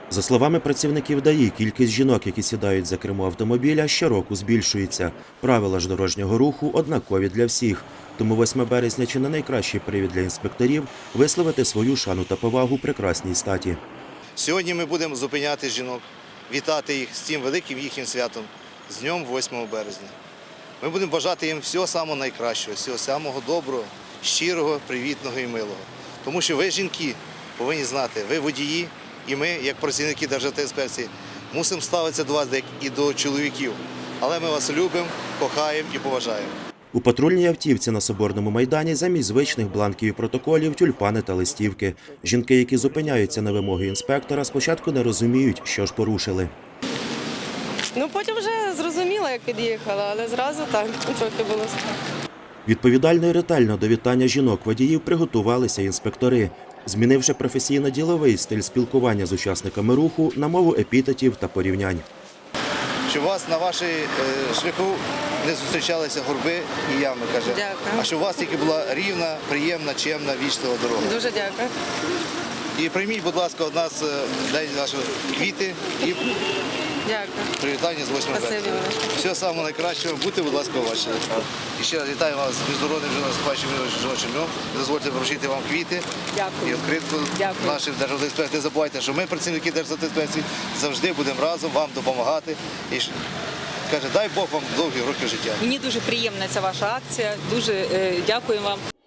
За словами працівників ДАІ, кількість жінок, які сідають за кермо автомобіля, щороку збільшується. Правила ж дорожнього руху однакові для всіх. Тому 8 березня чи не найкращий привід для інспекторів висловити свою шану та повагу прекрасній статі. Сьогодні ми будемо зупиняти жінок, вітати їх з цим великим їхнім святом, з днем 8 березня. Ми будемо бажати їм всього самого найкращого, всього самого доброго, щирого, привітного і милого. Тому що ви, жінки, повинні знати, ви водії, і ми, як працівники Державтоінспекції, мусимо ставитися до вас як і до чоловіків. Але ми вас любимо, кохаємо і поважаємо. У патрульній автівці на Соборному майдані замість звичних бланків і протоколів – тюльпани та листівки. Жінки, які зупиняються на вимоги інспектора, спочатку не розуміють, що ж порушили. Потім вже зрозуміла, як під'їхала, але зразу так трохи було. Відповідально і ретельно до вітання жінок-водіїв приготувалися інспектори, змінивши професійно-діловий стиль спілкування з учасниками руху на мову епітетів та порівнянь. Щоб у вас на вашій шляху не зустрічалися горби і ями, каже. Дякую. А щоб у вас тільки була рівна, приємна, чемна, вічлива дорога. Дуже дякую. І прийміть, будь ласка, від нас день нашої квіти і Дякую. привітання з 8 Спасибі березня. велике. Всього самого найкращого. Будьте, будь ласка, уважні. І ще раз вітаю вас з міжнародним наступаючим жіночим днем. Дозвольте вручити вам квіти Дякую. і відкритку Дякую. наших Державтоінспекцій. Не забувайте, що ми, працівники Державтоінспекції, завжди будемо разом вам допомагати. І каже, дай Бог вам довгі роки життя. Мені дуже приємна ця ваша акція. Дуже дякую вам.